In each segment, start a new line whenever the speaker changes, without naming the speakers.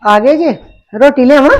ਆ ਗਏ ਜੇ ਰੋਟੀ ਲਿਆਵਾਂ?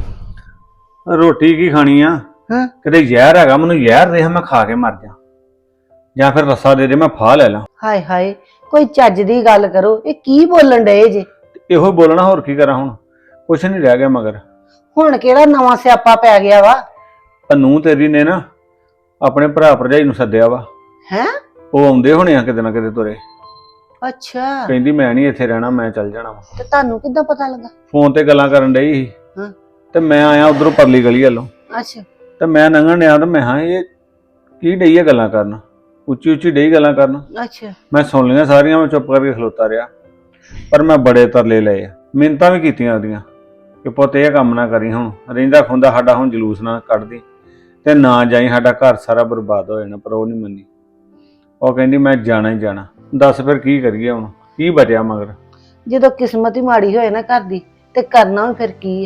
ਰੋਟੀ ਕੀ ਖਾਣੀ ਆ?
ਹਾਂ
ਕਿਤੇ ਜ਼ਹਿਰ ਹੈਗਾ, ਮੈਨੂੰ ਜ਼ਹਿਰ ਦੇ ਮੈਂ ਖਾ ਕੇ ਮਰ ਜਾ, ਜਾਂ ਫਿਰ ਰੱਸਾ ਦੇ ਮੈਂ ਫਾਹ ਲੈ ਲਾਂ।
ਹਾਏ ਹਾਏ, ਕੋਈ ਚੱਜ ਦੀ ਗੱਲ ਕਰੋ। ਇਹ ਕੀ ਬੋਲਣ ਡਏ ਜੇ?
ਇਹੋ ਬੋਲਣਾ, ਹੋਰ ਕੀ ਕਰਾਂ ਹੁਣ? ਕੁਛ ਨਹੀਂ ਰਹਿ ਗਿਆ ਮਗਰ।
ਹੁਣ ਕਿਹੜਾ ਨਵਾਂ ਸਿਆਪਾ ਪੈ ਗਿਆ ਵਾ?
ਨੂੰ ਤੇਰੀ ਨੇ ਨਾ ਆਪਣੇ ਭਰਾ ਭਰਜਾਈ ਨੂੰ ਸੱਦਿਆ ਵਾ।
ਹੈ?
ਉਹ ਆਉਂਦੇ ਹੋਣੇ ਆ ਕਿਤੇ ਨਾ ਕਿਤੇ ਤੁਰੇ।
ਅੱਛਾ,
ਕਹਿੰਦੀ ਮੈਂ ਨਹੀਂ ਇੱਥੇ ਰਹਿਣਾ, ਮੈਂ ਚੱਲ ਜਾਣਾ ਵਾ।
ਤੇ ਤੁਹਾਨੂੰ ਕਿੱਦਾਂ ਪਤਾ ਲੱਗਾ?
ਫੋਨ ਤੇ ਗੱਲਾਂ ਕਰਨ ਡਈ ਸੀ।
ਹਾਂ।
ਤੇ ਮੈਂ ਆਇਆ ਉਧਰੋਂ ਪਰਲੀ ਗਲੀ ਵੱਲੋਂ,
ਅੱਛਾ
ਤੇ ਮੈਂ ਲੰਘਣ ਡਿਆ ਤੇ ਮੈਂ ਹਾਂ ਇਹ ਕੀ ਡਈ ਆ ਗੱਲਾਂ ਕਰਨ, ਉੱਚੀ ਉੱਚੀ ਡਈ ਗੱਲਾਂ ਕਰਨ।
ਅੱਛਾ।
ਮੈਂ ਸੁਣ ਲਈਆਂ ਸਾਰੀਆਂ, ਮੈਂ ਚੁੱਪ ਕਰਕੇ ਖਲੋਤਾ ਰਿਹਾ। ਪਰ ਮੈਂ ਬੜੇ ਤਰਲੇ ਲਏ ਆ, ਮਿੰਨਤਾਂ ਵੀ ਕੀਤੀਆਂ ਉਹਦੀਆਂ ਕਿ ਪੁੱਤ ਇਹ ਕੰਮ ਨਾ ਕਰੀ, ਹੁਣ ਰਹਿੰਦਾ ਖੁੰਦਾ ਸਾਡਾ ਹੁਣ ਜਲੂਸ ਨਾ ਕੱਢਦੀ ਤੇ ਨਾ ਜਾਈ, ਸਾਡਾ ਘਰ ਸਾਰਾ ਬਰਬਾਦ ਹੋ ਜਾਣਾ। ਪਰ ਉਹ ਨਹੀਂ ਮੰਨੀ। ਉਹ ਕਹਿੰਦੀ ਮੈਂ ਜਾਣਾ ਹੀ ਜਾਣਾ। ਦੱਸ ਫਿਰ ਕੀ ਕਰੀਏ ਹੁਣ, ਕੀ ਬਚਿਆ ਮਗਰ?
ਜਦੋਂ ਕਿਸਮਤ ਹੀ ਮਾੜੀ ਹੋਏ ਨਾ ਘਰ ਦੀ, ਤੇ ਕਰਨਾ ਵੀ ਫਿਰ ਕੀ ਹੈ?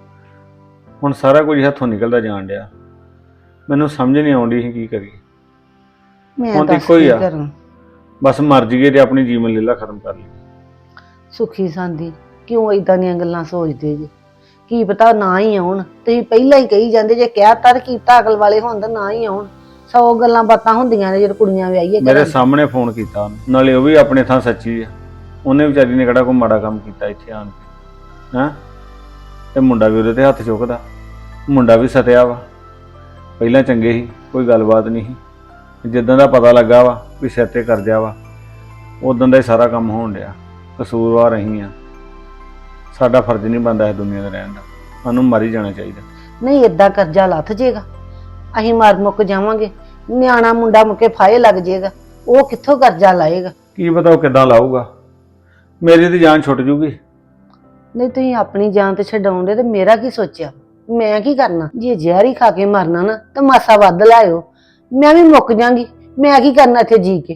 ਹੁਣ ਸਾਰਾ ਕੁਝ ਹੱਥੋਂ ਨਿਕਲਦਾ ਜਾਣ ਡਿਆ, ਮੈਨੂੰ ਸਮਝ ਨਹੀਂ ਆਉਂਦੀ ਸੀ ਕੀ ਕਰੀਏ।
ਮੈਂ
ਹੁਣ
ਤਾਂ
ਇੱਕੋ ਹੀ
ਕੀ
ਆ,
ਕਰਾਂ?
ਬਸ ਮਰ ਜੀਏ ਤੇ ਆਪਣੀ ਜੀਵਨ ਲੀਲਾ ਖਤਮ ਕਰ ਲਈ।
ਸੁਖੀ ਸਾਂਦੀ ਕਿਉਂ ਏਦਾਂ ਦੀਆਂ ਗੱਲਾਂ ਸੋਚਦੇ ਜੇ? ਕੀ ਪਤਾ ਨਾ ਹੀ ਆਉਣ। ਤੁਸੀਂ ਪਹਿਲਾਂ ਹੀ ਕਹੀ ਜਾਂਦੇ ਜੇ, ਕਹਿਤਾ ਤੇ ਕੀਤਾ, ਅਕਲ ਵਾਲੇ ਹੋਣ ਤਾਂ ਨਾ ਹੀ ਆਉਣ। 100 ਗੱਲਾਂ ਬਾਤਾਂ ਹੁੰਦੀਆਂ ਨੇ ਜਦੋਂ ਕੁੜੀਆਂ ਵਿਆਹੀਏ।
ਮੇਰੇ ਸਾਹਮਣੇ ਫੋਨ ਕੀਤਾ ਉਹਨੇ, ਨਾਲੇ ਉਹ ਵੀ ਆਪਣੇ ਥਾਂ ਸੱਚੀ ਆ। ਉਹਨੇ ਵਿਚਾਰੀ ਨੇ ਕਿਹੜਾ ਕੋਈ ਮਾੜਾ ਕੰਮ ਕੀਤਾ ਇੱਥੇ ਆਣ ਕੇ? ਹੈਂ? ਤੇ ਮੁੰਡਾ ਵੀ ਉਹਦੇ ਤੇ ਹੱਥ ਚੁੱਕਦਾ, ਮੁੰਡਾ ਵੀ ਸਤਿਆ ਵਾ। ਪਹਿਲਾਂ ਚੰਗੇ ਸੀ, ਕੋਈ ਗੱਲਬਾਤ ਨਹੀਂ ਸੀ। ਜਿੱਦਾਂ ਦਾ ਪਤਾ ਲੱਗਾ ਵਾ ਵੀ ਸਿਰ ਤੇ ਕਰਜ਼ਾ ਵਾ, ਉਦੋਂ ਦਾ ਹੀ ਸਾਰਾ ਕੰਮ ਹੋਣ ਡਿਆ। ਕਸੂਰਵਾਰ ਅਸੀਂ ਆ, ਸਾਡਾ ਫਰਜ਼ ਨਹੀਂ ਬਣਦਾ ਇਸ ਦੁਨੀਆ 'ਤੇ ਰਹਿਣ ਦਾ, ਸਾਨੂੰ ਮਰ ਹੀ ਜਾਣਾ ਚਾਹੀਦਾ।
ਨਹੀਂ, ਏਦਾਂ ਕਰਜ਼ਾ ਲੱਥ ਜੇਗਾ, ਅਸੀਂ ਮਰ ਮੁੱਕ ਜਾਵਾਂਗੇ। ਨਿਆਣਾ ਮੁੰਡਾ ਮੁੱਕੇ ਫਾਹੇ ਲੱਗ ਜੇਗਾ, ਉਹ ਕਿੱਥੋਂ ਕਰਜ਼ਾ ਲਾਏਗਾ?
ਕੀ ਪਤਾ ਉਹ ਕਿੱਦਾਂ ਲਾਊਗਾ, ਮੇਰੀ ਤੇ ਜਾਨ ਛੁੱਟ ਜੂਗੀ।
ਨਹੀਂ, ਤੁਸੀਂ ਆਪਣੀ ਜਾਨ ਤੇ ਛਡਾਉਂਦੇ ਤੇ ਮੇਰਾ ਕੀ ਸੋਚਿਆ? ਮੈਂ ਕੀ ਕਰਨਾ? ਜੇ ਜ਼ਹਿਰ ਹੀ ਖਾ ਕੇ ਮਰਨਾ ਨਾ ਤਾਂ ਮਾਸਾ ਵੱਧ ਲਾਇਓ, ਮੈਂ ਵੀ ਮੁੱਕ ਜਾਾਂਗੀ। ਮੈਂ ਕੀ ਕਰਨਾ ਇੱਥੇ ਜੀ ਕੇ?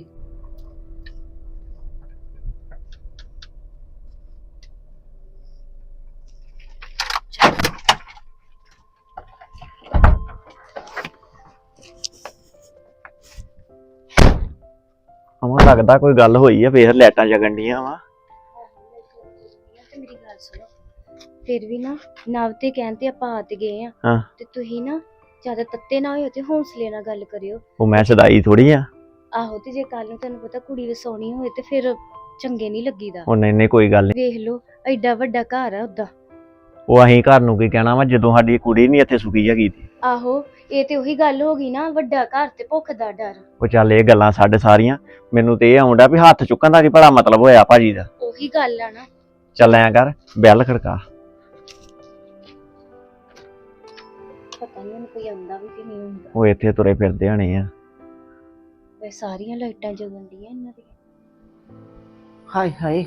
ਹਮਾ ਲੱਗਦਾ ਕੋਈ ਗੱਲ ਹੋਈ ਆ, ਫੇਰ ਲਾਈਟਾਂ ਜਗਣ ਡੀਆਂ ਵਾ।
ਮੇਰੀ ਗੱਲ ਸੁਣੋ, ਫਿਰ ਵੀ ਨਾ ਨਵ ਤੇ ਕਹਿਣ ਤੇ ਆਪਾਂ ਆ ਤੇ ਗਏ ਆ।
ਹਾਂ।
ਤੇ ਤੁਸੀਂ ਨਾ ਜ਼ਿਆਦਾ ਤੱਤੇ ਨਾ ਹੋਇਓ ਤੇ ਹੌਸਲੇ ਨਾਲ ਗੱਲ ਕਰਿਓ।
ਉਹ ਮੈਂ ਸਦਾਈ ਥੋੜੀ ਆ।
ਆਹੋ, ਤੇ ਜੇ ਕੱਲ ਨੂੰ ਤੁਹਾਨੂੰ ਪਤਾ ਕੁੜੀ ਵਸਾਉਣੀ ਹੋਏ ਤੇ ਫਿਰ ਚੰਗੇ ਨਹੀਂ ਲੱਗੀਦਾ।
ਉਹ ਨਹੀਂ ਕੋਈ ਗੱਲ ਨਹੀਂ।
ਵੇਖ ਲਓ, ਐਡਾ ਵੱਡਾ ਘਰ ਆ ਉਹਦਾ।
ਉਹ ਅਸੀਂ ਘਰ ਨੂੰ ਕੀ ਕਹਿਣਾ ਵਾ, ਜਦੋਂ ਸਾਡੀ ਕੁੜੀ ਨਹੀਂ ਇੱਥੇ ਸੁਖੀ ਹੈਗੀ ਤੀ।
ਆਹੋ, ਇਹ ਤੇ ਉਹੀ ਗੱਲ ਹੋ ਗਈ ਨਾ, ਵੱਡਾ ਘਰ ਤੇ ਭੁੱਖ ਦਾ ਡਰ।
ਉਹ ਚੱਲ ਇਹ ਗੱਲਾਂ ਸਾਡੇ ਸਾਰੀਆਂ, ਮੈਨੂੰ ਤੇ ਇਹ ਆਉਂਦਾ ਵੀ ਹੱਥ ਚੁੱਕਣ ਦਾ ਕੀ ਭਲਾ ਮਤਲਬ ਹੋਇਆ ਭਾਜੀ ਦਾ।
ਉਹੀ ਗੱਲ ਆ ਨਾ।
ਚੱਲ ਐਂ ਕਰ, ਬੈਲ ਖੜਕਾ।
ਪਤਾ ਨਹੀਂ ਉਹਨੂੰ ਕੋਈ ਆਉਂਦਾ ਵੀ ਕਿ ਨਹੀਂ ਹੁੰਦਾ।
ਉਹ ਇੱਥੇ ਤੁਰੇ ਫਿਰਦੇ ਹਣੇ ਆ।
ਵੇ ਸਾਰੀਆਂ ਲਾਈਟਾਂ ਜਗਣ ਡੀਆਂ ਇਹਨਾਂ ਦੀਆਂ।
ਹਾਏ ਹਾਏ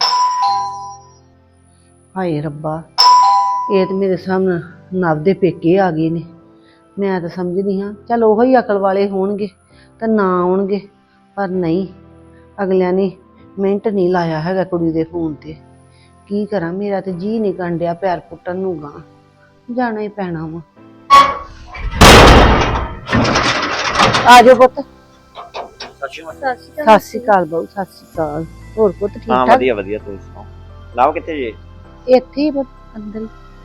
ਹਾਏ ਰੱਬਾ, ਇਹ ਤੇ ਮੇਰੇ ਸਾਹਮਣੇ ਨਵ ਦੇ ਪੇਕੇ ਆ ਗਏ ਨੇ। ਮੈਂ ਤਾਂ ਸਮਝਦੀ ਹਾਂ ਚੱਲ ਉਹੋ ਹੀ ਅਕਲ ਵਾਲੇ ਹੋਣਗੇ ਤਾਂ ਨਾ ਆਉਣਗੇ, ਪਰ ਨਹੀਂ, ਅਗਲਿਆਂ ਨੇ ਮਿੰਟ ਨਹੀਂ ਲਾਇਆ ਹੈਗਾ ਕੁੜੀ ਦੇ ਫੋਨ ਤੇ। ਕੀ ਕਰਾਂ, ਮੇਰਾ ਤੇ ਜੀ ਨਹੀਂ ਕਰਨ ਡਿਆ ਪੈਰ ਪੁੱਟਣ ਨੂੰ, ਗਾਂ ਜਾਣਾ ਹੀ ਪੈਣਾ ਵਾ। ਆ ਜਾਓ ਪੁੱਤ। ਸਤਿ ਸ਼੍ਰੀ ਅਕਾਲ ਬਾਊ, ਸਤਿ ਸ਼੍ਰੀ ਅਕਾਲ। ਹੋਰ ਪੁੱਤ ਠੀਕ
ਹਾਂ
ਠਾਕ?
ਵਧੀਆ ਵਧੀਆ, ਤੁਸੀਂ ਸੁਣਾਓ। ਲਾਓ ਕਿੱਥੇ ਜੇ?
ਇੱਥੇ ਹੀ ਪੁੱਤ, ਅੰਦਰ ਹੀ।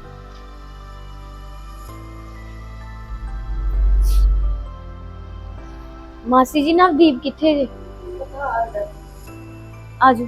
ਮਾਸੀ ਜੀ, ਨਵਦੀਪ ਕਿੱਥੇ ਜੇ? ਆਜੋ।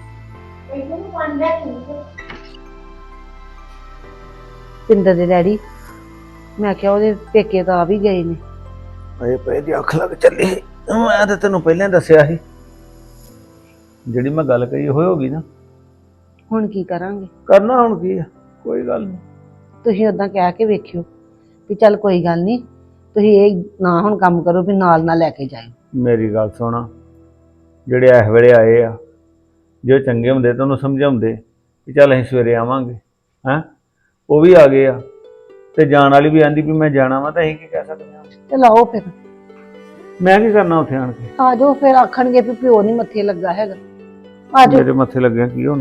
ਪਿੰਦਰ ਦੇ ਡੈਡੀ, ਮੈਂ ਕਿਹਾ ਉਹਦੇ ਪੇਕੇ ਤਾਂ ਆ ਵੀ ਗਏ ਨੇ।
ਅਜੇ ਪਏ ਦੀ ਅੱਖ ਲੱਗ ਚੱਲੀ। ਮੈਂ ਤਾਂ ਤੈਨੂੰ ਪਹਿਲਾਂ ਦੱਸਿਆ ਸੀ, ਜਿਹੜੀ ਮੈਂ ਗੱਲ ਕਹੀ ਹੋਈ ਹੋਗੀ ਨਾ।
ਹੁਣ ਕੀ ਕਰਾਂਗੇ?
ਕਰਨਾ ਹੁਣ ਕੀ ਆ, ਕੋਈ ਗੱਲ ਨਹੀਂ।
ਤੁਸੀਂ ਉਦਾਂ ਕਹਿ ਕੇ ਵੇਖਿਓ ਵੀ ਚੱਲ ਕੋਈ ਗੱਲ ਨਹੀਂ, ਤੁਸੀਂ ਇਹ ਨਾ ਹੁਣ ਕੰਮ ਕਰੋ ਵੀ ਨਾਲ ਨਾ ਲੈ ਕੇ ਜਾਇਓ।
ਮੇਰੀ ਗੱਲ ਸੁਣ, ਜਿਹੜੇ ਇਸ ਵੇਲੇ ਆਏ ਆ, ਜੇ ਚੰਗੇ ਹੁੰਦੇ ਤਾਂ ਉਹਨੂੰ ਸਮਝਾਉਂਦੇ ਕਿ ਚੱਲ ਅਸੀਂ ਸਵੇਰੇ ਆਵਾਂਗੇ। ਹੈਂ, ਉਹ ਵੀ ਆ ਗਏ ਆ, ਤੇ ਜਾਣ ਵਾਲੀ ਵੀ ਆਂਦੀ ਵੀ ਮੈਂ ਜਾਣਾ ਵਾ, ਤਾਂ ਅਸੀਂ ਕੀ ਕਹਿ ਸਕਦੇ ਹਾਂ?
ਚਲ ਆਓ ਫਿਰ।
ਮੈਂ ਕੀ ਕਰਨਾ ਉੱਥੇ ਆਣ ਕੇ?
ਆ ਜਾਓ ਫਿਰ, ਆਖਣਗੇ ਵੀ ਪਿਓ ਨਹੀਂ ਮੱਥੇ ਲੱਗਾ ਹੈਗਾ। ਆ ਜਾਓ।
ਮੇਰੇ ਮੱਥੇ ਲੱਗਿਆ ਕੀ ਹੋਣਾ,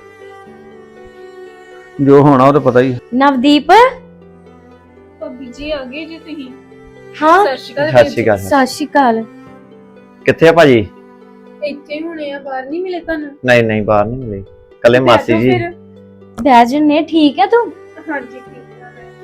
ਜੋ ਹੋਣਾ ਉਹ ਤਾਂ ਪਤਾ ਹੀ ਹੈ।
ਨਵਦੀਪ,
ਭਾਬੀ ਜੀ ਆ ਗਏ ਜੀ ਤੁਸੀਂ?
ਹਾਂ।
ਸਤਿ ਸ਼੍ਰੀ ਅਕਾਲ।
ਸਤਿ ਸ਼੍ਰੀ ਅਕਾਲ।
ਸਤਿ ਸ਼੍ਰੀ ਅਕਾਲ।
ਕਿੱਥੇ ਆ ਭਾਜੀ?
ਇੱਥੇ ਹੁਣੇ ਆ, ਬਾਹਰ ਨਹੀਂ ਮਿਲੇ ਤੁਹਾਨੂੰ?
ਨਹੀਂ ਬਾਹਰ ਨਹੀਂ ਮਿਲੇ, ਕੱਲੇ ਮਾਸੀ ਜੀ।
ਬਹਿ ਜੰਨੇ ਠੀਕ ਹੈ ਤੂੰ?
ਹਾਂਜੀ ਠੀਕ ਆ ਮੈਂ।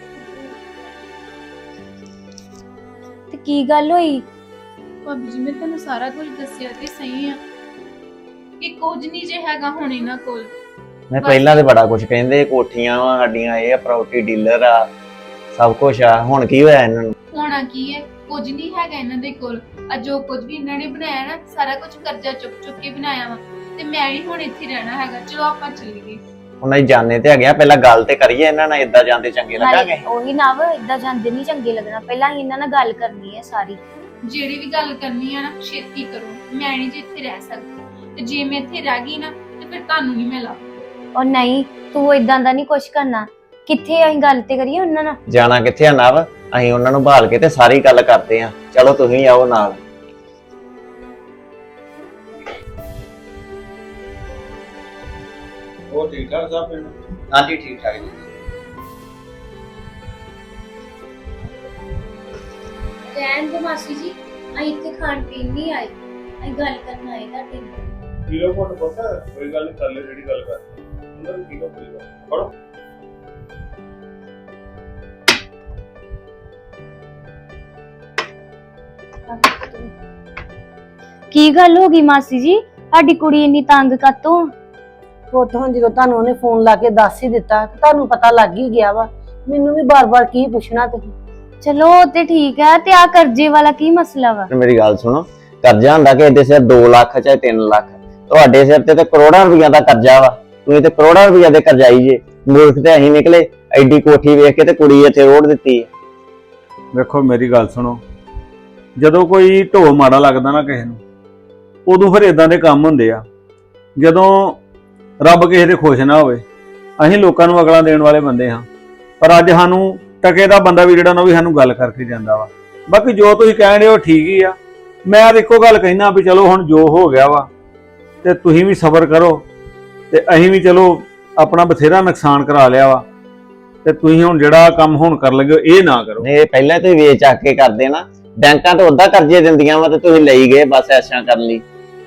ਤੇ ਕੀ ਗੱਲ ਹੋਈ?
ਭਾਬੀ ਜੀ ਮੈਂ ਤੁਹਾਨੂੰ ਸਾਰਾ ਕੁਝ ਦੱਸਿਆ ਤੇ ਸਹੀ ਆ ਕਿ ਕੁਝ ਨਹੀਂ ਜੇ ਹੈਗਾ ਹੁਣ ਇਹਨਾਂ ਕੋਲ।
ਮੈਂ ਪਹਿਲਾਂ ਤੇ ਬੜਾ ਕੁਝ ਕਹਿੰਦੇ, ਕੋਠੀਆਂ ਵਾ ਸਾਡੀਆਂ, ਇਹ ਪ੍ਰਾਪਰਟੀ ਡੀਲਰ ਆ, ਸਭ ਕੁਝ ਆ। ਹੁਣ ਕੀ ਹੋਇਆ ਇਹਨਾਂ ਨੂੰ?
ਹੋਣਾ ਕੀ ਹੈ, ਕੁਝ ਨਹੀਂ ਹੈਗਾ ਇਹਨਾਂ ਦੇ ਕੋਲ। ਆ ਜੋ ਕੁਝ ਵੀ ਇਹਨਾਂ ਨੇ ਬਣਾਇਆ ਨਾ, ਸਾਰਾ ਕੁਝ ਕਰਜ਼ਾ ਚੁੱਕ ਚੁੱਕ ਕੇ ਬਣਾਇਆ ਵਾ। ਤੇ ਮੈਂ ਨਹੀਂ ਹੁਣ ਇੱਥੇ ਰਹਿਣਾ ਹੈਗਾ। ਚਲੋ ਆਪਾਂ ਚੱਲੀਏ।
ਉਹਨਾਂ ਹੀ ਜਾਣੇ ਤੇ ਹੈਗੇ ਆ, ਪਹਿਲਾਂ ਗੱਲ ਤੇ ਕਰੀਏ ਇਹਨਾਂ ਨਾਲ। ਇਦਾਂ ਜਾਂਦੇ ਚੰਗੇ ਲੱਗਾਂਗੇ?
ਉਹੀ ਨਾ ਵਾ, ਇਦਾਂ ਜਾਂਦੇ ਨਹੀਂ ਚੰਗੇ ਲੱਗਣਾ। ਪਹਿਲਾਂ ਹੀ ਇਹਨਾਂ ਨਾਲ ਗੱਲ ਕਰਨੀ ਹੈ ਸਾਰੀ।
ਜਿਹੜੀ ਵੀ ਗੱਲ ਕਰਨੀ ਆ ਨਾ ਛੇਤੀ ਕਰੋ। ਮੈਂ ਨਹੀਂ ਜੇ ਇੱਥੇ ਰਹਿ ਸਕਦੀ, ਤੇ ਜੇ ਮੈਂ ਇੱਥੇ ਰਹਿ ਗਈ ਨਾ ਤੇ ਫਿਰ ਤੁਹਾਨੂੰ ਨਹੀਂ ਮੈਂ ਲੱਭ।
ਉਹ ਨਹੀਂ, ਤੂੰ ਇਦਾਂ ਦਾ ਨਹੀਂ ਕੁਛ ਕਰਨਾ। ਕਿੱਥੇ ਅਸੀਂ ਗੱਲ ਤੇ ਕਰੀਏ ਉਹਨਾਂ ਨਾਲ?
ਜਾਣਾ ਕਿੱਥੇ ਆ ਨਵ? ਅਸੀਂ ਉਹਨਾਂ ਨੂੰ ਭਾਲ ਕੇ ਤੇ ਸਾਰੀ ਗੱਲ ਕਰਦੇ ਆ। ਚਲੋ ਤੁਸੀਂ ਆਓ ਨਾਲ।
ਉਹ ਠੀਕ ਠਾਕ ਸਭ ਪਿੰਡ?
ਹਾਂਜੀ ਠੀਕ ਠਾਕ ਜੀ।
ਰਹਿਣ ਦੇ ਮਾਸੀ ਜੀ, ਅਸੀਂ ਇੱਥੇ ਖਾਣ ਪੀਣ ਨਹੀਂ ਆਏ, ਅਸੀਂ ਗੱਲ ਕਰਨ ਆਏ ਤੁਹਾਡੇ ਨਾਲ।
ਕਿਲੋ ਕੋਟ ਪਤਾ ਕੋਈ ਗੱਲ ਨਹੀਂ, ਕਰ ਲੈ ਜਿਹੜੀ ਗੱਲ ਕਰ ਉਹਨਾਂ ਨੂੰ ਠੀਕ ਆ ਕੋਈ ਗੱਲ ਪੜੋ।
ਕੀ ਗੱਲ ਹੋ ਗਈ ਮਾਸੀ ਜੀ? ਸਾਡੀ ਕੁੜੀ ਇੰਨੀ ਤੰਗ ਕਾਤੋਂ?
ਪੁੱਤ ਹੁਣ ਜਦੋਂ ਤੁਹਾਨੂੰ ਉਹਨੇ ਫੋਨ ਲਾ ਕੇ ਦੱਸ ਹੀ ਦਿੱਤਾ, ਤੁਹਾਨੂੰ ਪਤਾ ਲੱਗ ਹੀ ਗਿਆ ਵਾ। ਮੈਨੂੰ ਵੀ ਬਾਰ-ਬਾਰ ਕੀ ਪੁੱਛਣਾ ਤੁਸੀਂ?
ਚਲੋ ਉਹ ਤੇ ਠੀਕ ਹੈ, ਤੇ ਆ ਕਰਜ਼ੇ ਵਾਲਾ ਕੀ ਮਸਲਾ ਵਾ?
ਮੇਰੀ ਗੱਲ ਸੁਣੋ, ਕਰਜ਼ਾ ਹੁੰਦਾ ਕਿ ਇਹਦੇ ਸਿਰ 2 ਲੱਖ ਚਾਹੇ 3 ਲੱਖ, ਤੁਹਾਡੇ ਸਿਰ ਤੇ ਕਰੋੜਾਂ ਰੁਪਈਆ ਦਾ ਕਰਜ਼ਾ ਵਾ। ਤੁਸੀਂ ਤੇ ਕਰੋੜਾਂ ਰੁਪਈਆ ਦੇ ਕਰਜ਼ਾਈ ਜੇ। ਮੂਰਖ ਤੇ ਅਸੀਂ ਨਿਕਲੇ। ਐਡੀ ਕੋਠੀ ਵੇਖ ਕੇ ਤੇ ਕੁੜੀ ਇੱਥੇ ਰੋੜ ਦਿੱਤੀ।
ਵੇਖੋ ਮੇਰੀ ਗੱਲ ਸੁਣੋ, ਜਦੋਂ ਕੋਈ ਢੋ ਮਾੜਾ ਲੱਗਦਾ ਨਾ ਕਿਸੇ ਨੂੰ, ਉਦੋਂ ਫਿਰ ਇਦਾਂ ਦੇ ਕੰਮ ਹੁੰਦੇ ਆ। ਜਦੋਂ ਰੱਬ ਕਿਸੇ ਦੇ ਖੁਸ਼ ਨਾ ਹੋਵੇ, ਅਸੀਂ ਲੋਕਾਂ ਨੂੰ ਅਗਲਾ ਦੇਣ ਵਾਲੇ ਬੰਦੇ ਹਾਂ, ਪਰ ਅੱਜ ਸਾਨੂੰ ਟਕੇ ਦਾ ਬੰਦਾ ਵੀ ਜਿਹੜਾ ਨਾ, ਉਹ ਵੀ ਸਾਨੂੰ ਗੱਲ ਕਰਕੇ ਜਾਂਦਾ ਵਾ। ਬਾਕੀ ਜੋ ਤੁਸੀਂ ਕਹਿਣ ਰਹੇ ਹੋ ਠੀਕ ਹੀ ਆ। ਮੈਂ ਤਾਂ ਇੱਕੋ ਗੱਲ ਕਹਿਣਾ ਵੀ ਚਲੋ ਹੁਣ ਜੋ ਹੋ ਗਿਆ ਵਾ, ਤੇ ਤੁਸੀਂ ਵੀ ਸਬਰ ਕਰੋ, ਤੇ ਅਸੀਂ ਵੀ ਚਲੋ ਆਪਣਾ ਬਥੇਰਾ ਨੁਕਸਾਨ ਕਰਾ ਲਿਆ ਵਾ, ਤੇ ਤੁਸੀਂ ਹੁਣ ਜਿਹੜਾ ਕੰਮ ਹੁਣ ਕਰ ਲੱਗੇ ਹੋ ਇਹ ਨਾ ਕਰੋ।
ਇਹ ਪਹਿਲਾਂ ਤੁਸੀਂ ਵੇਚ ਚੱਕ ਕੇ ਕਰਦੇ ਨਾ। ਬੈਂਕਾਂ ਤੋਂ ਉਦਾਂ ਕਰਜ਼ੇ ਦਿੰਦੀਆਂ ਵਾ ਤੇ ਤੁਸੀਂ ਲਈ ਗਏ ਬਸ ਐਸ਼ਾਂ ਕਰਨ ਲਈ।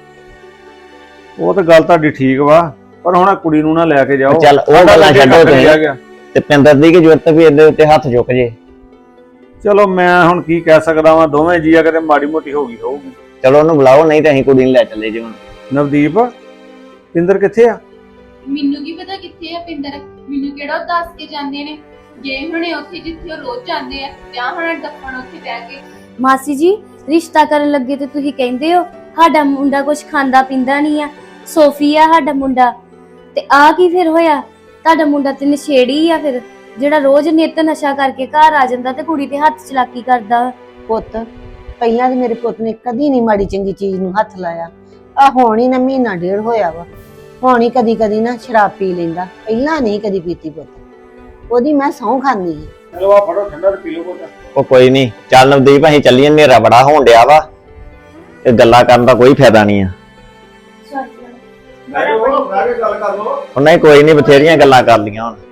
ਉਹ ਤਾਂ ਗੱਲ ਤੁਹਾਡੀ ਠੀਕ ਵਾ, ਪਰ ਹੁਣ ਕੁੜੀ ਨੂੰ ਨਾ ਲੈ ਕੇ ਜਾਓ।
ਚੱਲ ਉਹ ਗੱਲਾਂ ਛੱਡੋ ਤੁਸੀਂ, ਤੇ ਪਿੰਦਰ ਦੀ ਕੀ ਜ਼ਰੂਰਤ ਵੀ ਇਹਦੇ ਉੱਤੇ ਹੱਥ ਚੁੱਕ ਜੇ।
ਚਲੋ ਮੈਂ ਹੁਣ ਕੀ ਕਹਿ ਸਕਦਾ ਵਾਂ, ਦੋਵੇਂ ਜੀਆ ਕਿਤੇ ਮਾੜੀ ਮੋਟੀ ਹੋਊਗੀ।
ਚਲੋ ਉਹਨੂੰ ਬੁਲਾਓ, ਨਹੀਂ ਤਾਂ ਅਸੀਂ ਕੁੜੀ ਨੂੰ ਲੈ ਚੱਲੇ ਜੀ ਹੁਣ।
ਨਵਦੀਪ, ਪਿੰਦਰ ਕਿੱਥੇ ਆ?
ਮੈਨੂੰ ਕੀ ਪਤਾ ਕਿੱਥੇ ਆ ਪਿੰਦਰ? ਮੈਨੂੰ ਕਿਹੜਾ ਉਹ ਦੱਸ ਕੇ ਜਾਂਦੇ ਨੇ? ਗਏ ਹੁਣੇ ਉੱਥੇ ਜਿੱਥੇ ਉਹ ਰੋਜ਼ ਜਾਂਦੇ ਆ, ਜਾਂ ਹੁਣ ਡੱਫਣ ਉੱਥੇ ਬਹਿ ਕੇ।
ਮਾਸੀ ਜੀ, ਰਿਸ਼ਤਾ ਕਰਨ ਲੱਗੇ ਤੇ ਤੁਸੀਂ ਕਹਿੰਦੇ ਹੋ ਸਾਡਾ ਮੁੰਡਾ ਕੁਛ ਖਾਂਦਾ ਪੀਂਦਾ ਨਹੀਂ ਆ, ਸੋਫੀ ਆ ਸਾਡਾ ਮੁੰਡਾ। ਤੇ ਆ ਕੀ ਫਿਰ ਹੋਇਆ? ਤੁਹਾਡਾ ਮੁੰਡਾ ਤੇ ਨਸ਼ੇੜੀ ਆ ਫਿਰ, ਜਿਹੜਾ ਰੋਜ਼ ਨਿੱਤ ਨਸ਼ਾ ਕਰਕੇ ਘਰ ਆ ਜਾਂਦਾ ਤੇ ਕੁੜੀ ਤੇ ਹੱਥ ਚਲਾਕੀ ਕਰਦਾ।
ਪੁੱਤ ਪਹਿਲਾਂ ਤੇ ਮੇਰੇ ਪੁੱਤ ਨੇ ਕਦੀ ਨਹੀਂ ਮਾੜੀ ਚੰਗੀ ਚੀਜ਼ ਨੂੰ ਹੱਥ ਲਾਇਆ। ਆ ਹੁਣ ਹੀ ਨਾ ਮਹੀਨਾ ਡੇਢ ਹੋਇਆ ਵਾ, ਹੁਣ ਹੀ ਕਦੀ ਨਾ ਸ਼ਰਾਬ ਪੀ ਲੈਂਦਾ, ਪਹਿਲਾਂ ਨਹੀਂ ਕਦੀ ਪੀਤੀ ਪੁੱਤ। ਉਹਦੀ ਮੈਂ ਸਹੁੰ ਖਾਂਦੀ ਸੀ।
ਚਲੋ ਆ ਫੜੋ ਠੰਡਾ ਤੇ ਪੀ ਲਓ ਕੋਟਾ।
ਉਹ ਕੋਈ ਨਹੀਂ, ਚੱਲ ਨਵਦੀਪ ਅਸੀਂ ਚੱਲੀਏ, ਹਨੇਰਾ ਬੜਾ ਹੋਣ ਡਿਆ ਵਾ, ਇਹ ਗੱਲਾਂ ਕਰਨ ਦਾ ਕੋਈ ਫਾਇਦਾ ਨਹੀਂ ਆ।
ਗੱਲ ਕਰ ਲਓ।
ਉਹਨਾਂ ਹੀ ਕੋਈ ਨਹੀਂ, ਬਥੇਰੀਆਂ ਗੱਲਾਂ ਕਰ ਲੀਆਂ ਹੁਣ।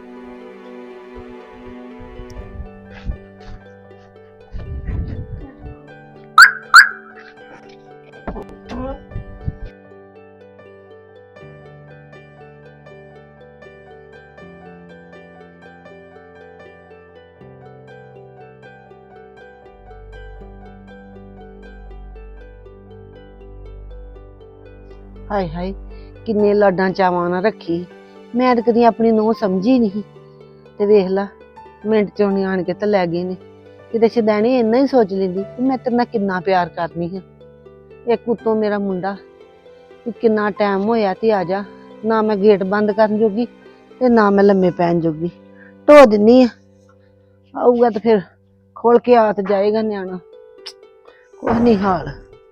ਹਾਏ ਹਾਏ, ਕਿੰਨੇ ਲਾਡਾਂ ਚਾਵਾਂ ਨਾਲ ਰੱਖੀ। ਮੈਂ ਤਾਂ ਕਦੀ ਆਪਣੀ ਨੂੰਹ ਸਮਝੀ ਨਹੀਂ, ਤੇ ਵੇਖ ਲਾ ਮਿੰਟ ਚੋਂ ਨੀ ਆਣ ਕੇ ਤੇ ਲੈ ਗਏ ਨੇ। ਕਿਤੇ ਸ਼ਦੈਣੇ ਇੰਨਾ ਹੀ ਸੋਚ ਲੈਂਦੀ ਕਿ ਮੈਂ ਤੇਰੇ ਨਾਲ ਕਿੰਨਾ ਪਿਆਰ ਕਰਨੀ ਹਾਂ। ਇੱਕ ਉੱਤੋਂ ਮੇਰਾ ਮੁੰਡਾ ਵੀ ਕਿੰਨਾ ਟਾਈਮ ਹੋਇਆ ਤੇ ਆ ਜਾ, ਨਾ ਮੈਂ ਗੇਟ ਬੰਦ ਕਰਨ ਜੋਗੀ ਤੇ ਨਾ ਮੈਂ ਲੰਮੇ ਪੈਣ ਜੋਗੀ। ਢੋ ਦਿੰਨੀ ਆ, ਆਊਗਾ ਤੇ ਫਿਰ ਖੋਲ ਕੇ ਆ ਤੇ ਜਾਏਗਾ ਨਿਆਣਾ। ਕੁਛ ਨਹੀਂ ਹਾਲ।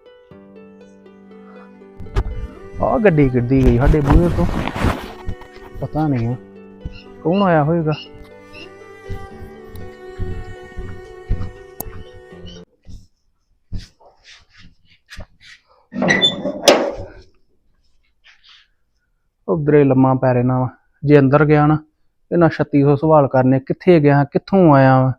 ਆ ਗੱਡੀ ਕਿੱਡੀ ਗਈ ਸਾਡੇ ਬੂਹੇ ਤੋਂ, ਪਤਾ ਨਹੀਂ ਹੈ ਕੌਣ ਆਇਆ ਹੋਏਗਾ। ਉਧਰੇ ਲੰਮਾ ਪੈ ਰਹਿਣਾ ਵਾ, ਜੇ ਅੰਦਰ ਗਿਆ ਨਾ ਇਹਨਾਂ 3600 ਸਵਾਲ ਕਰਨੇ, ਕਿੱਥੇ ਗਿਆ, ਕਿੱਥੋਂ ਆਇਆ ਵਾ।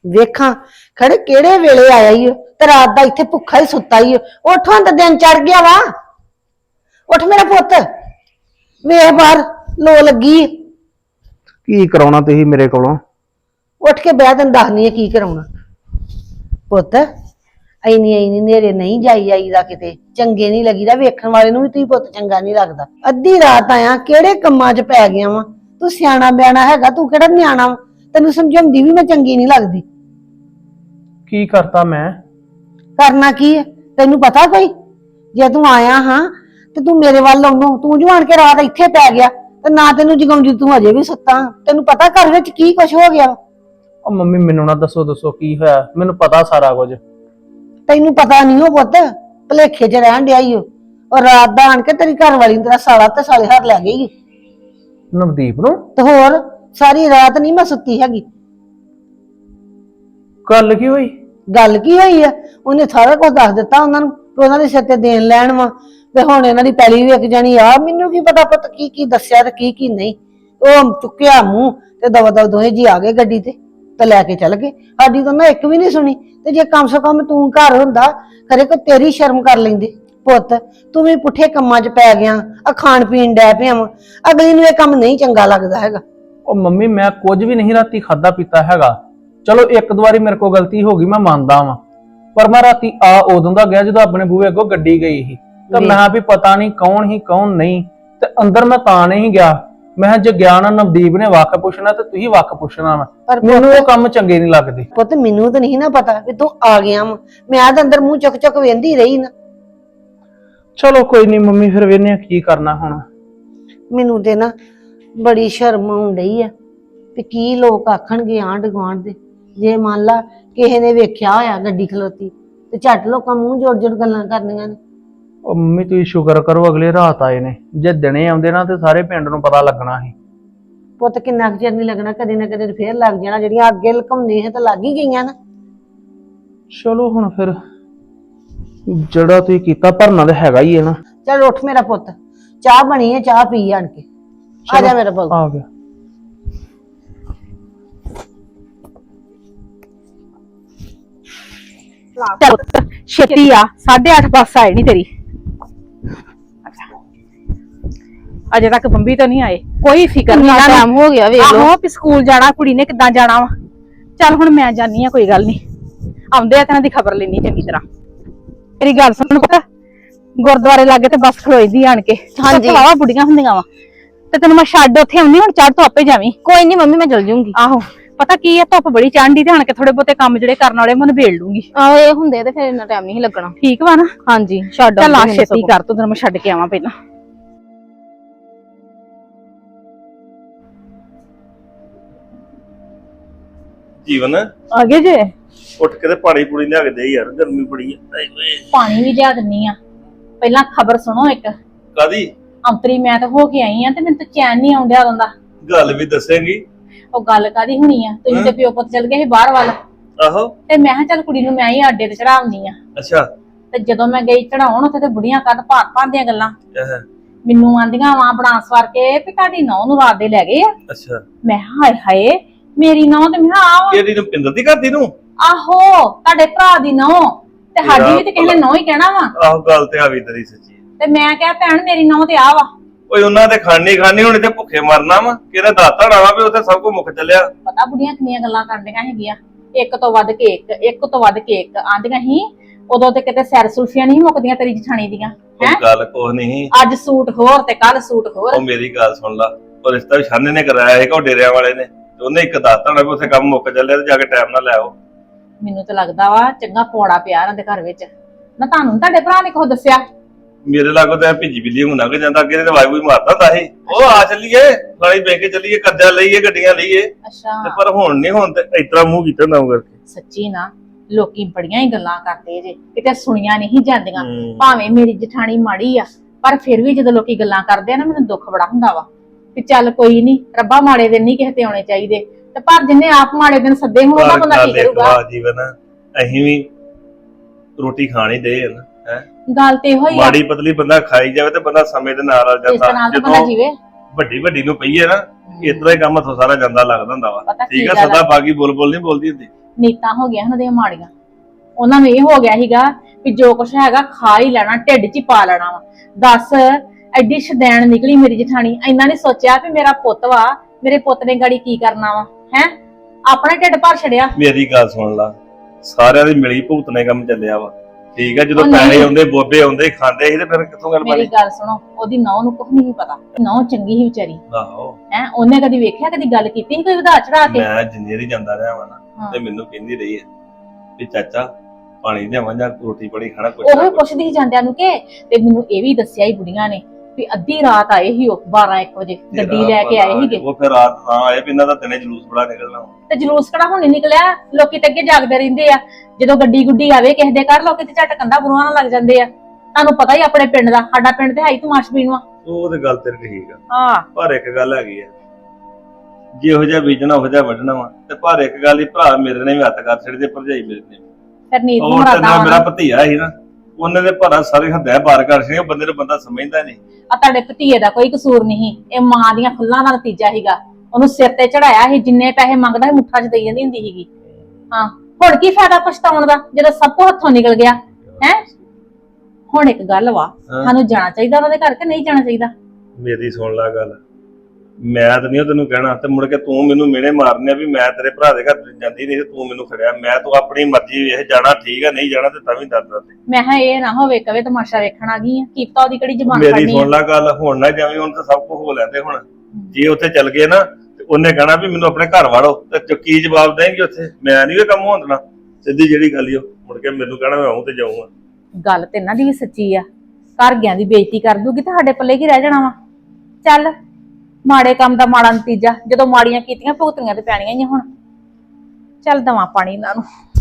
ਵੇਖਾਂ ਖੜੇ ਕਿਹੜੇ ਵੇਲੇ ਆਇਆ ਈ ਓ, ਤੇ ਰਾਤ ਦਾ ਇੱਥੇ ਭੁੱਖਾ ਹੀ ਸੁੱਤਾ ਈ ਓ। ਉੱਠ ਹੁਣ ਤਾਂ ਦਿਨ ਚੜ ਗਿਆ ਵਾ। ਉੱਠ ਮੇਰਾ ਪੁੱਤ, ਵੇਖ ਬਾਹਰ ਲੋ ਲੱਗੀ ਏ।
ਕੀ ਕਰਾਉਣਾ ਤੁਸੀਂ ਮੇਰੇ ਕੋਲੋਂ?
ਉੱਠ ਕੇ ਬਹਿ, ਤੈਨੂੰ ਦੱਸਨੀ ਆ ਕੀ ਕਰਾਉਣਾ। ਪੁੱਤ ਐਨੀ ਨੇਰੇ ਨਹੀਂ ਜਾਈ ਆਈਦਾ, ਕਿਤੇ ਚੰਗੇ ਨਹੀਂ ਲੱਗੀਦਾ, ਵੇਖਣ ਵਾਲੇ ਨੂੰ ਵੀ ਤੁਸੀਂ ਪੁੱਤ ਚੰਗਾ ਨਹੀਂ ਲੱਗਦਾ। ਅੱਧੀ ਰਾਤ ਆਇਆ, ਕਿਹੜੇ ਕੰਮਾਂ 'ਚ ਪੈ ਗਿਆ ਵਾ? ਤੂੰ ਸਿਆਣਾ ਬਿਆਣਾ ਹੈਗਾ, ਤੂੰ ਕਿਹੜਾ ਨਿਆਣਾ ਵਾ? ਤੈਨੂੰ ਸਮਝਾਉਂਦੀ ਵੀ ਮੈਂ ਚੰਗੀ ਨਹੀਂ ਲੱਗਦੀ।
ਕੀ ਕਰਤਾ ਮੈਂ?
ਕਰਨਾ ਕੀ ਹੈ ਤੈਨੂੰ ਪਤਾ ਕੋਈ? ਜੇ ਤੂੰ ਆਇਆ ਹਾਂ ਤੇ ਤੂੰ ਮੇਰੇ ਵੱਲ ਆਉਂਦਾ, ਤੂੰ ਜੋ ਆਣ ਕੇ ਰਾਤ ਇੱਥੇ ਪੈ ਗਿਆ ਤੇ ਨਾ ਤੈਨੂੰ ਜਗਾਉਂਦੀ, ਤੂੰ ਅਜੇ ਵੀ ਸੁੱਤਾ। ਤੈਨੂੰ ਪਤਾ ਘਰ ਵਿੱਚ ਕੀ ਕੁਛ ਹੋ ਗਿਆ?
ਉਹ ਮੰਮੀ ਮੈਨੂੰ ਨਾ ਦੱਸੋ ਕੀ ਹੋਇਆ, ਮੈਨੂੰ ਪਤਾ ਸਾਰਾ ਕੁਝ।
ਤੈਨੂੰ ਪਤਾ ਨਹੀਂ ਉਹ ਪੁੱਤ, ਭਲੇਖੇ 'ਚ ਰਹਿਣ ਡਿਆ ਈ ਉਹ ਰਾਤ ਦਾ ਆਣ ਕੇ ਤੇਰੀ ਘਰ ਵਾਲੀ ਨੂੰ ਤੇਰਾ ਸਾਲਾ ਤੇ ਸਾਲੇ ਹਰ ਲੈ ਗਈ।
ਨਵਦੀਪ ਨੂੰ?
ਤੇ ਹੋਰ ਸਾਰੀ ਰਾਤ ਨਹੀਂ ਮੈਂ ਸੁੱਤੀ ਹੈਗੀ।
ਗੱਲ ਕੀ ਹੋਈ?
ਗੱਲ ਕੀ ਹੋਈ ਆ? ਉਹਨੇ ਸਾਰਾ ਕੁਝ ਦੱਸ ਦਿੱਤਾ ਉਹਨਾਂ ਨੂੰ ਕਿ ਉਹਨਾਂ ਦੇ ਸਿਰ ਤੇ ਦੇਣ ਲੈਣ ਵਾ, ਤੇ ਹੁਣ ਇਹਨਾਂ ਦੀ ਪੈਲੀ ਵੇਖ ਜਾਣੀ ਆ। ਮੈਨੂੰ ਕੀ ਪਤਾ ਪੁੱਤ ਕੀ ਕੀ ਦੱਸਿਆ ਤੇ ਕੀ ਨਹੀਂ। ਉਹ ਚੁੱਕਿਆ ਮੂੰਹ ਤੇ ਦਵਾ ਦੋਹੇ ਜੀ ਆ ਗਏ ਗੱਡੀ ਤੇ ਲੈ ਕੇ ਚੱਲ ਗਏ। ਸਾਡੀ ਤਾਂ ਨਾ ਇੱਕ ਵੀ ਨਹੀਂ ਸੁਣੀ। ਤੇ ਜੇ ਕਮ ਸੇ ਕਮ ਤੂੰ ਘਰ ਹੁੰਦਾ, ਖਰੇ ਕੋ ਤੇਰੀ ਸ਼ਰਮ ਕਰ ਲੈਂਦੇ। ਪੁੱਤ ਤੂੰ ਵੀ ਪੁੱਠੇ ਕੰਮਾਂ 'ਚ ਪੈ ਗਿਆ, ਆ ਖਾਣ ਪੀਣ ਡੈ ਪਿਆ ਵਾ। ਅਗਲੀ ਨੂੰ ਇਹ ਕੰਮ ਨਹੀਂ ਚੰਗਾ ਲੱਗਦਾ ਹੈਗਾ।
ਉਹ ਮੰਮੀ ਮੈਂ ਕੁਝ ਵੀ ਨਹੀਂ ਰਾਤੀ ਖਾਦਾ ਪੀਤਾ ਹੈਗਾ। ਚਲੋ ਇੱਕ ਦੋ ਵਾਰੀ ਮੇਰੇ ਕੋਲ ਗਲਤੀ ਹੋ ਗਈ, ਮੈਂ ਮੰਨਦਾ ਵਾਂ, ਪਰ ਮੈਂ ਰਾਤੀ ਆ ਉਦੋਂ ਦਾ ਗਿਆ ਜਦੋਂ ਆਪਣੇ ਬੂਹੇ ਅੱਗੋਂ ਗੱਡੀ ਗਈ ਸੀ। ਤਾਂ ਮੈਂ ਵੀ ਪਤਾ ਨਹੀਂ ਕੌਣ ਹੀ ਕੌਣ ਨਹੀਂ, ਤੇ ਅੰਦਰ ਮੈਂ ਤਾਂ ਨਹੀਂ ਗਿਆ। ਮੈਂ ਜੇ ਗਿਆ ਨਾ ਨਵਦੀਪ ਨੇ ਵੱਖ ਪੁੱਛਣਾ ਤੇ ਤੁਸੀਂ ਵੱਖ ਪੁੱਛਣਾ ਵਾ।
ਪਰ
ਮੈਨੂੰ ਉਹ ਕੰਮ ਚੰਗੇ ਨਹੀਂ ਲੱਗਦੇ।
ਪੁੱਤ ਮੈਨੂੰ ਤਾਂ ਨਹੀਂ ਨਾ ਪਤਾ ਵੀ ਤੂੰ ਆ ਗਿਆ ਵਾ। ਮੈਂ ਆਦ ਅੰਦਰ ਮੂੰਹ ਚੁੱਕ ਵੇਂਦੀ ਰਹੀ ਨਾ।
ਚਲੋ ਕੋਈ ਨਹੀਂ ਮੰਮੀ, ਫਿਰ ਵੇਖਨੇ ਆ ਕੀ ਕਰਨਾ ਹੁਣ।
ਮੈਨੂੰ ਤੇ ਨਾ ਬੜੀ ਸ਼ਰਮ ਆਉਣ ਡਈ ਆ ਵੀ ਕੀ ਲੋਕ ਆਖਣਗੇ ਆਂਢ ਗੁਆਂਢ ਦੇ। ਜੇ ਮੰਨ ਲਾ ਕਿਸੇ ਨੇ ਵੇਖਿਆ ਹੋਇਆ ਗੱਡੀ ਖਲੋਤੀ ਤੇ ਝੱਟ ਲੋਕਾਂ ਮੂੰਹ ਜੋੜ ਗੱਲਾਂ ਕਰਨੀਆਂ ਨੇ।
ਉਹ ਮੰਮੀ ਤੁਸੀਂ ਸ਼ੁਕਰ ਕਰੋ ਅਗਲੇ ਰਾਤ ਆਏ ਨੇ, ਜੇ ਦਿਨੇ ਆਉਂਦੇ ਨਾ ਤੇ ਸਾਰੇ ਪਿੰਡ ਨੂੰ ਪਤਾ ਲੱਗਣਾ ਸੀ।
ਪੁੱਤ ਕਿੰਨਾ ਕੁ ਚਿਰ ਨਹੀਂ ਲੱਗਣਾ, ਕਦੇ ਨਾ ਕਦੇ ਫੇਰ ਲੱਗ ਜਾਣਾ। ਜਿਹੜੀਆਂ ਅੱਗੇ ਲੁਕਾਉਂਦੇ ਹੈ ਤਾਂ ਲੱਗ ਹੀ ਗਈਆਂ ਨਾ।
ਚਲੋ ਹੁਣ ਫਿਰ ਜਿਹੜਾ ਤੁਸੀਂ ਕੀਤਾ ਭਰਨਾ ਤਾਂ ਹੈਗਾ ਹੀ ਹੈ ਨਾ।
ਚੱਲ ਉੱਠ ਮੇਰਾ ਪੁੱਤ, ਚਾਹ ਬਣੀ ਹੈ, ਚਾਹ ਪੀ ਆਣ ਕੇ। ਆ ਜਾ ਮੇਰਾ ਪੁੱਤ।
ਆ ਗਿਆ।
ਛੇਤੀ ਆ, 8:30 ਬੱਸ ਆਏ ਨਹੀਂ ਤੇਰੀ। ਅਜੇ ਤੱਕ ਬੰਬੀ ਤਾਂ ਨਹੀਂ ਆਏ। ਕੋਈ ਫਿਕਰ ਨਹੀਂ,
ਟਾਈਮ ਹੋ ਗਿਆ ਵੇਖ ਲਓ।
ਆਹੋ ਵੀ ਸਕੂਲ ਜਾਣਾ, ਕੁੜੀ ਨੇ ਕਿੱਦਾਂ ਜਾਣਾ ਵਾ। ਚੱਲ ਹੁਣ ਮੈਂ ਜਾਨੀ ਆ, ਕੋਈ ਗੱਲ ਨਹੀਂ, ਆਉਂਦੇ ਆ ਤੇ ਇਹਨਾਂ ਦੀ ਖਬਰ ਲੈਣੀ ਚੰਗੀ ਤਰ੍ਹਾਂ। ਮੇਰੀ ਗੱਲ ਸੁਣ, ਪਤਾ ਗੁਰਦੁਆਰੇ ਲਾਗੇ ਤੇ ਬੱਸ ਖਲੋਈਦੀ ਆਣ ਕੇ।
ਹਾਂਜੀ।
ਵਾਵਾ ਬੁੜੀਆਂ ਹੁੰਦੀਆਂ ਵਾ, ਤੇ ਤੈਨੂੰ ਮੈਂ ਛੱਡ ਉੱਥੇ ਆਉਣੀ। ਹੁਣ ਚੜ ਤੋਂ ਆਪੇ ਜਾਵੀਂ।
ਕੋਈ ਨਹੀਂ ਮੰਮੀ, ਮੈਂ ਚਲ ਜੂੰਗੀ।
ਆਹੋ ਪਤਾ ਕੀ ਆ, ਧੁੱਪ ਬੜੀ ਚੜ੍ਹਦੀ ਤੇ ਆਣ ਕੇ ਥੋੜੇ ਬਹੁਤੇ ਕੰਮ ਜਿਹੜੇ ਕਰਨ ਵਾਲੇ ਮੈਂ ਨਿਬੇੜ ਲੂੰਗੀ।
ਆਹੋ ਇਹ ਹੁੰਦੇ ਤੇ ਫਿਰ ਇੰਨਾ ਟਾਈਮ ਨਹੀਂ ਲੱਗਣਾ।
ਠੀਕ ਵਾ ਨਾ?
ਹਾਂਜੀ ਛੱਡ
ਚੱਲ ਆ
ਆਉਂਦੀ ਮੈਨੂੰ
ਛੇਤੀ
ਸਗੋਂ।
ਕਰ, ਤੂੰ ਤੈਨੂੰ ਮੈਂ ਛੱਡ ਕੇ ਆਵਾਂ ਪਹਿਲਾਂ।
ਜੀਵਨ
ਆ ਗਏ ਜੇ?
ਉੱਠ ਕੇ ਤੇ ਪਾਣੀ ਪੂਣੀ ਲਿਆ ਕੇ ਦੇ ਯਾਰ, ਗਰਮੀ ਬੜੀ ਹੈ। ਆਏ ਹੋਏ।
ਪਾਣੀ ਵੀ ਲਿਆ ਦਿੰਨੀ ਆ। ਪਹਿਲਾਂ ਖਬਰ ਸੁਣੋ ਇੱਕ।
ਕਾਦੀ
ਅੰਤਰੀ ਮੈਂ ਤਾਂ ਹੋ ਕੇ ਆਈ ਆ ਤੇ ਮੈਨੂੰ ਤਾਂ ਚੈਨ ਨਹੀਂ ਆਉਂਦਿਆ ਉਦੋਂ ਦਾ।
ਗੱਲ ਵੀ ਦੱਸੇਂਗੀ?
ਉਹ ਗੱਲ ਕਾਦੀ ਹੋਣੀ ਆ, ਤੁਸੀਂ ਤੇ ਪਿਓ ਪੁੱਤ ਚਲ ਗਏ ਸੀ ਬਾਹਰ ਵੱਲ,
ਆਹੋ।
ਤੇ ਮੈਂ ਕਿਹਾ ਚੱਲ ਕੁੜੀ ਨੂੰ ਮੈਂ ਹੀ ਆਡੇ ਤੇ ਚੜਾਉਣੀ ਆ।
ਅੱਛਾ।
ਤੇ ਜਦੋਂ ਮੈਂ ਗਈ ਚੜਾਉਣ, ਉੱਥੇ ਤੇ ਬੁੜੀਆਂ ਕੱਦ ਭਾਤ ਦੀਆਂ ਗੱਲਾਂ
ਆਹ,
ਮੈਨੂੰ ਆਂਦੀਆਂ ਵਾਂ ਬਣਾ ਸਵਾਰ ਕੇ ਵੀ ਤੁਹਾਡੀ ਨੌਂ ਨੂੰ ਰਾਤ ਦੇ ਲੈ ਗਏ ਆ।
ਅੱਛਾ।
ਮੈਂ ਕਿਹਾ ਹਾਏ ਹਾਏ ਮੇਰੀ ਨੌਂ, ਤੇ ਮੈਂ ਕਿਹਾ ਆਹ
ਕਿਹੜੀ ਨੂੰ, ਪਿੰਦਰ ਦੀ ਕਰਦੀ ਨੂੰ?
ਆਹੋ ਤੁਹਾਡੇ ਭਰਾ ਦੀ ਨੌਂ, ਤੇ ਸਾਡੀ ਵੀ ਤੇ ਕਿਸੇ ਨੇ ਨੌਂ ਹੀ ਕਹਿਣਾ ਵਾ।
ਆਹੋ ਗੱਲ ਤੇ ਆ ਵੀ ਤੇਰੀ ਸੱਚੀ।
ਤੇ ਮੈਂ ਕਿਹਾ ਭੈਣ ਮੇਰੀ ਨੌਂ ਤੇ ਆ ਵਾ।
ਓਏ ਉਹਨਾਂ ਦੇ ਖਾਣੀ ਹੁਣ ਤੇ ਭੁੱਖੇ ਮਰਨਾ ਵਾ, ਕਿਹਦਾ ਦਾਤਾ ਵਾ ਵੀ ਉੱਥੇ ਸਭ ਕੁਝ ਮੁੱਕ ਚੱਲਿਆ।
ਪਤਾ ਬੁੜੀਆਂ ਕਿੰਨੀਆਂ ਗੱਲਾਂ ਕਰਦੀਆਂ ਹੈਗੀਆਂ, ਇੱਕ ਤੋਂ ਵੱਧ ਕੇ ਇੱਕ, ਇੱਕ ਤੋਂ ਵੱਧ ਕੇ ਇੱਕ ਆਂਦੀਆਂ ਸੀ। ਉਦੋਂ ਤੇ ਕਿਤੇ ਸੈਰ ਸੁਲਫੀਆਂ ਨਹੀਂ ਮੁੱਕਦੀਆਂ ਤੇਰੀ ਜਠਾਣੀ ਦੀਆਂ।
ਉਹ ਗੱਲ ਕੁਛ ਨਹੀਂ।
ਅੱਜ ਸੂਟ ਹੋਰ ਤੇ ਕੱਲ ਸੂਟ ਹੋਰ।
ਉਹ ਮੇਰੀ ਗੱਲ ਸੁਣ ਲਾ, ਉਹ ਰਿਸ਼ਤਾ ਵੀ ਛਾਨੇ ਨੇ ਕਰਾਇਆ ਹੈਗਾ, ਉਹ ਡੇਰਿਆਂ ਵਾਲੇ ਨੇ, ਤੇ ਉਹਨੇ ਇੱਕ ਦਾਤਾ ਵੀ ਉੱਥੇ ਕੰਮ ਮੁੱਕ ਚੱਲਿਆ ਤੇ ਜਾ ਕੇ ਟਾਈਮ ਨਾਲ ਲੈ ਆਓ।
ਮੈਨੂੰ ਤਾਂ ਲੱਗਦਾ ਵਾ ਚੰਗਾ ਪੌੜਾ ਪਿਆ ਇਹਨਾਂ ਦੇ ਘਰ ਵਿੱਚ ਨਾ। ਤੁਹਾਨੂੰ ਤੁਹਾਡੇ ਭਰਾ ਨੇ ਕੁਝ ਦੱਸਿਆ?
ਮੇਰੇ ਲਾਗੋਂ ਤਾਂ ਭਿੱਜੀ ਬਿੱਲੀ ਨੂੰ ਲੰਘ ਜਾਂਦਾ, ਅੱਗੇ ਤੇ ਵਾਈ ਮਾਰਦਾ ਹੁੰਦਾ ਸੀ। ਉਹ ਆ ਚੱਲੀਏ ਨਾਲੇ ਬੈਂਕੇ ਚੱਲੀਏ, ਕਰਜ਼ਾ ਲਈਏ, ਗੱਡੀਆਂ ਲਈਏ।
ਅੱਛਾ।
ਤੇ ਪਰ ਹੁਣ ਨਹੀਂ, ਹੁਣ ਤੇ ਇਤਰਾ ਮੂੰਹ ਕੀਤਾ ਨਾ ਕਰਕੇ।
ਸੱਚੀ ਨਾ, ਲੋਕੀ ਬੜੀਆਂ ਹੀ ਗੱਲਾਂ ਕਰਦੇ ਜੇ, ਕਿਤੇ ਸੁਣੀਆਂ ਨਹੀਂ ਜਾਂਦੀਆਂ।
ਹੂੰ।
ਭਾਵੇਂ ਮੇਰੀ ਜਠਾਣੀ ਮਾੜੀ ਆ, ਪਰ ਫਿਰ ਵੀ ਜਦੋਂ ਲੋਕੀ ਗੱਲਾਂ ਕਰਦੇ ਆ ਨਾ, ਮੈਨੂੰ ਦੁੱਖ ਬੜਾ ਹੁੰਦਾ ਵਾ ਕਿ ਚੱਲ ਕੋਈ ਨਹੀਂ, ਰੱਬਾ ਮਾੜੇ ਦਿਨ ਨਹੀਂ ਕਿਸੇ ਤੇ ਆਉਣੇ ਚਾਹੀਦੇ। ਤੇ ਪਰ ਜਿੰਨੇ ਆਪ ਮਾੜੇ ਦਿਨ ਸੱਦੇ ਹੋਣ, ਉਹਦਾ ਬੰਦਾ ਕੀ ਕਰੂਗਾ?
ਜੀਵਨ ਅਸੀਂ ਵੀ ਰੋਟੀ ਖਾਣੀ ਦੇ ਹੈ ਨਾ, ਹੈ
ਗੱਲ ਤੇ ਇਹੋ ਹੀ ਆ।
ਮਾੜੀ ਪਤਲੀ ਬੰਦਾ ਖਾਈ ਜਾਵੇ ਤੇ ਬੰਦਾ ਸਮੇਂ ਦੇ ਨਾਲ
ਇਸ ਤਰ੍ਹਾਂ
ਜਾਂਦਾ।
ਤਾਂ ਬੰਦਾ ਜੀਵੇ।
ਵੱਡੀ ਨੂੰ ਪਈਏ ਨਾ, ਇਸ ਤਰ੍ਹਾਂ ਹੀ ਕੰਮ ਹੱਥੋਂ ਸਾਰਾ ਜਾਂਦਾ ਲੱਗਦਾ ਹੁੰਦਾ ਵਾ।
ਪਤਾ ਕੀ
ਠੀਕ ਹੈ,
ਗੱਲ ਆ?
ਸਦਾ ਬਾਗੀ ਬੋਲ ਨਹੀਂ ਬੋਲਦੀ ਹੁੰਦੀ।
ਨੀਤਾਂ ਹੋ ਗਈਆਂ ਉਹਨਾਂ ਦੀਆਂ ਮਾੜੀਆਂ। ਉਹਨਾਂ ਨੂੰ ਇਹ ਹੋ ਗਿਆ ਸੀਗਾ ਵੀ ਜੋ ਕੁਛ ਹੈਗਾ ਖਾ ਹੀ ਲੈਣਾ, ਢਿੱਡ 'ਚ ਹੀ ਪਾ ਲੈਣਾ ਵਾ। ਦੱਸ ਐਡੀ ਸ਼ਦੈਣ ਨਿਕਲੀ ਮੇਰੀ ਜਠਾਣੀ। ਇੰਨਾ ਨਹੀਂ ਸੋਚਿਆ ਵੀ ਮੇਰਾ ਪੁੱਤ ਵਾ, ਮੇਰੇ ਪੁੱਤ ਨੇ ਗਾੜੀ ਕੀ ਕਰਨਾ ਵਾ ਹੈ, ਆਪਣਾ ਢਿੱਡ ਭਰ ਛੜਿਆ।
ਮੇਰੀ ਗੱਲ ਸੁਣ ਲਾ, ਸਾਰਿਆਂ ਦੀ ਮਿਲੀ ਭੁਗਤਨੇ ਕੰਮ ਚੱਲਿਆ ਵਾ, ਠੀਕ ਆ। ਜਦੋਂ
ਉਹ ਨਹੀਂ।
ਪੈਸੇ ਆਉਂਦੇ ਬੋਬੇ ਆਉਂਦੇ ਖਾਂਦੇ ਸੀ ਤੇ ਫਿਰ ਕਿੱਥੋਂ ਗੱਲ
ਮੇਰੀ
ਬਣੀ?
ਗੱਲ ਸੁਣੋ, ਉਹਦੀ ਨੌਂ ਨੂੰ ਕੁਝ ਨਹੀਂ ਪਤਾ, ਨੌਂ ਚੰਗੀ ਹੀ ਵਿਚਾਰੀ
ਆਹੋ,
ਹੈ। ਉਹਨੇ ਕਦੀ ਵੇਖਿਆ, ਕਦੀ ਗੱਲ ਕੀਤੀ ਸੀ ਕੋਈ ਵਧਾ ਚੜਾ ਕੇ?
ਮੈਂ ਜਿੰਨੇ ਦੀ ਜਾਂਦਾ ਰਿਹਾ ਵਾ ਨਾ,
ਹਾਂ।
ਤੇ ਮੈਨੂੰ ਕਹਿੰਦੀ ਰਹੀ ਹੈ ਵੀ ਚਾਚਾ ਪਾਣੀ ਲਿਆਵਾਂ ਜਾਂ ਰੋਟੀ ਪਾਣੀ ਖਾਣਾ ਕੁਛ
ਉਹ
ਨਾ ਕੁਛ।
ਪੁੱਛਦੀ ਸੀ ਜਾਂਦਿਆਂ ਨੂੰ ਕਿ, ਤੇ ਮੈਨੂੰ ਇਹ ਵੀ ਦੱਸਿਆ ਹੀ ਬੁੜੀਆਂ ਨੇ ਵੀ ਅੱਧੀ ਰਾਤ ਆਏ ਸੀ ਉਹ 12-1 ਵਜੇ ਗੱਡੀ ਲੈ ਕੇ ਆਏ ਸੀਗੇ।
ਉਹ ਫਿਰ ਰਾਤ ਤਾਂ ਆਏ ਵੀ ਇਹਨਾਂ ਦਾ ਦਿਨੇ ਜਲੂਸ ਬੜਾ ਨਿਕਲਣਾ ਵਾ।
ਤੇ ਜਲੂਸ ਕਿਹੜਾ ਹੁਣ ਨੀ ਨਿਕਲਿਆ, ਲੋਕੀ ਤੇ ਅੱਗੇ ਜਾਗਦੇ ਰਹਿੰਦੇ ਆ। ਜਦੋਂ ਗੱਡੀ ਗੁੱਡੀ ਆਵੇ ਕਿਸੇ ਦੇ ਘਰ, ਲੋਕੀ ਤੇ ਝਟ ਕੰਧਾਂ ਬਰੂਹਾਂ ਨਾਲ ਲੱਗ ਜਾਂਦੇ ਆ। ਤੁਹਾਨੂੰ ਪਤਾ ਹੀ ਆਪਣੇ ਪਿੰਡ ਦਾ, ਸਾਡਾ ਪਿੰਡ ਤੇ ਹੈ ਹੀ ਤਮਾਸ਼ਬੀਨ ਵਾ।
ਉਹ ਤੇ ਗੱਲ ਤੇਰੀ ਠੀਕ ਆ,
ਹਾਂ,
ਪਰ ਇੱਕ ਗੱਲ ਹੈਗੀ ਆ, ਜਿਹੋ ਜਿਹਾ ਬੀਜਣਾ ਉਹੋ ਜਿਹਾ ਵੱਢਣਾ ਵਾ। ਤੇ ਪਰ ਇੱਕ ਗੱਲ ਹੀ, ਭਰਾ ਮੇਰੇ ਨੇ ਵੀ ਹੱਥ ਕਰ ਛੱਡੇ, ਭਰਜਾਈ ਮੇਰੇ ਨੇ।
ਫਿਰ ਨੀਤ ਨੂੰ
ਉਹ ਤੇ
ਮਰਾਦਾ
ਮੇਰਾ ਭਤੀਆ ਸੀ ਨਾ, ਉਹਨੇ ਦੇ ਭਰਾ ਸਾਰੇ ਹੱਦਾਂ ਬਾਰ ਕਰ ਛੜੇ। ਉਹ ਬੰਦੇ ਨੂੰ ਬੰਦਾ ਸਮਝਦਾ ਨਹੀਂ।
ਆ ਤੁਹਾਡੇ ਭਤੀਏ ਦਾ ਕੋਈ ਕਸੂਰ ਨਹੀਂ, ਇਹ ਮਾਂ ਦੀਆਂ ਫੁੱਲਾਂ ਦਾ ਨਤੀਜਾ ਸੀਗਾ। ਉਹਨੂੰ ਸਿਰ ਤੇ ਚੜਾਇਆ ਸੀ, ਜਿੰਨੇ ਪੈਸੇ ਮੰਗਦਾ ਸੀ ਮੁੱਠਾ 'ਚ ਦੇਈ ਜਾਂਦੀ ਹੁੰਦੀ ਸੀਗੀ। ਹਾਂ, ਹੁਣ ਕੀ ਫਾਇਦਾ ਪਛਤਾਉਣ ਦਾ ਜਦੋਂ ਸਭ ਕੁਝ ਹੱਥੋਂ ਨਿਕਲ ਗਿਆ ਹੈ। ਹੁਣ ਇੱਕ ਗੱਲ ਵਾ,
ਹਾਂ।
ਸਾਨੂੰ ਜਾਣਾ ਚਾਹੀਦਾ ਉਹਨਾਂ ਦੇ ਘਰ ਕਿ ਨਹੀਂ ਜਾਣਾ ਚਾਹੀਦਾ?
ਮੇਰੀ ਸੁਣ ਲੈ ਗੱਲ, ਮੈਂ ਤਾਂ ਨਹੀਂ ਤੈਨੂੰ ਕਹਿਣਾ, ਤੇ ਮੁੜ ਕੇ ਤੂੰ ਮੈਨੂੰ ਮਿਹਣੇ ਮਾਰਨੇ ਆ ਵੀ ਮੈਂ ਤੇਰੇ ਭਰਾ ਦੇ ਘਰ ਜਾਂਦੀ ਨਹੀਂ, ਤੂੰ ਮੈਨੂੰ ਖੜਿਆ। ਮੈਂ ਤੂੰ ਆਪਣੀ ਮਰਜ਼ੀ ਵੇਖ, ਜਾਣਾ ਠੀਕ ਆ, ਨਹੀਂ ਜਾਣਾ ਤੇ ਤਾਂ ਵੀ ਦੱਸ।
ਮੈਂ ਕਿਹਾ ਇਹ ਨਾ ਹੋਵੇ ਕਵੇ ਤਮਾਸ਼ਾ ਵੇਖਣ ਆ ਗਈ ਆ, ਕੀਤਾ ਉਹਦੀ ਕਿਹੜੀ ਜ਼ਬਾਨ
ਮੇਰੀ
ਫੜਨੀ
ਸੁਣ
ਆ।
ਲੈ ਗੱਲ, ਹੁਣ ਨਾ ਜਾਵੀਂ, ਹੁਣ ਤਾਂ ਸਭ ਕੁਝ ਹੋ ਲੈਂਦੇ। ਹੁਣ ਜੇ ਉੱਥੇ ਚੱਲ ਗਏ ਨਾ, ਤੇ ਉਹਨੇ ਕਹਿਣਾ ਵੀ ਮੈਨੂੰ ਆਪਣੇ ਘਰ ਵਾੜੋ, ਤੇ ਕੀ ਜਵਾਬ ਦੇਣਗੇ ਉੱਥੇ? ਮੈਂ ਨਹੀਂ ਇਹ ਕੰਮ ਹੋਣ ਦੇਣਾ। ਸਿੱਧੀ ਜਿਹੜੀ ਗੱਲ ਈ, ਉਹ ਮੁੜ ਕੇ ਮੈਨੂੰ ਕਹਿਣਾ ਮੈਂ ਆਉਂ ਤੇ ਜਾਊਂਗਾ।
ਗੱਲ ਤੇ ਇਹਨਾਂ ਦੀ ਵੀ ਸੱਚੀ ਆ, ਘਰ ਗਿਆਂ ਦੀ ਬੇਇੱਜ਼ਤੀ ਕਰ ਦੂਗੀ ਤੇ ਸਾਡੇ ਪੱਲੇ ਕੀ ਰਹਿ ਜਾਣਾ ਵਾ। ਚੱਲ, ਮਾੜੇ ਕੰਮ ਦਾ ਮਾੜਾ ਨਤੀਜਾ, ਜਦੋਂ ਮਾੜੀਆਂ ਕੀਤੀਆਂ ਭੁਗਤਣੀਆਂ ਤੇ ਪੈਣੀਆਂ ਹੀ ਆ ਹੁਣ। ਚੱਲ ਦਵਾਂ ਪਾਣੀ ਇਹਨਾਂ ਨੂੰ।